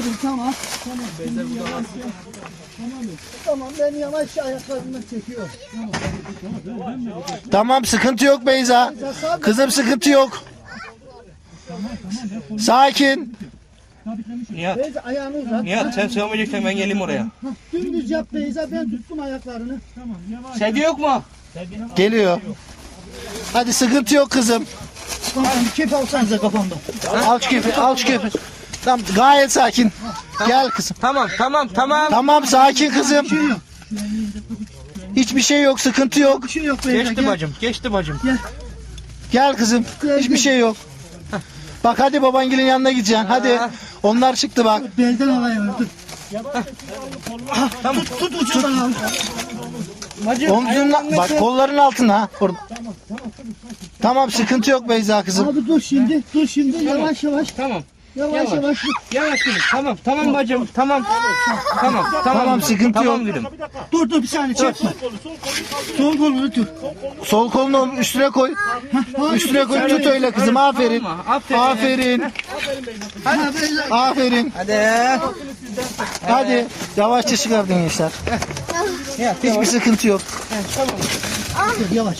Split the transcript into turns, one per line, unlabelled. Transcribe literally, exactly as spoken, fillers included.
kızım tamam. Tamam. Şimdi yavaş yavaş. Tamam. Tamam ben yavaş ayaklarımdan çekiyorum. Tamam.
Tamam sıkıntı yok Beyza. Kızım sıkıntı yok. Sakin.
Nihat,
Beyza ayağını uzat.
Nihat sen sığamayacaksan ben geleyim oraya.
Hah, dümdüz yap Beyza, ben tuttum ayaklarını.
Sevgi yok mu?
Geliyor. Hadi sıkıntı yok kızım.
Tamam bir kep alsanıza kafamda.
Al şu kepi, al şu kepi. Tamam gayet sakin. Gel kızım.
Tamam tamam tamam.
Tamam sakin kızım. Hiçbir şey yok, sıkıntı yok.
Bir şey yok Beyza.
Geçti
gel.
bacım geçti bacım.
Gel kızım. Hiçbir şey yok. Bak hadi babangilin yanına gideceksin. Hadi. Onlar çıktı bak.
Belden havaya ver, dur.
Tamam.
Tut tut ucundan al.
Bacım.
Omzunla bak kolların altına. Ha, orada. Tamam sıkıntı yok Beyza kızım.
Abi dur şimdi, dur şimdi yavaş yavaş.
Tamam.
Yavaş
Yavaş.
yavaş.
Yavaş gülüm. Tamam tamam bacım. Tamam. Tamam. Tamam.
Tamam, sıkıntı
tamam,
yok.
gülüm.
Dur dur bir saniye çekme. Sol kolunu tut.
Sol kolunu üstüne koy. Üstüne koy tut öyle kızım. Aferin.
Tamam mı? Aferin.
Aferin.
Ha, Beyza.
Aferin.
Hadi.
Hadi. Yavaşça çıkardın gençler. Hiçbir sıkıntı yok.
Yavaş.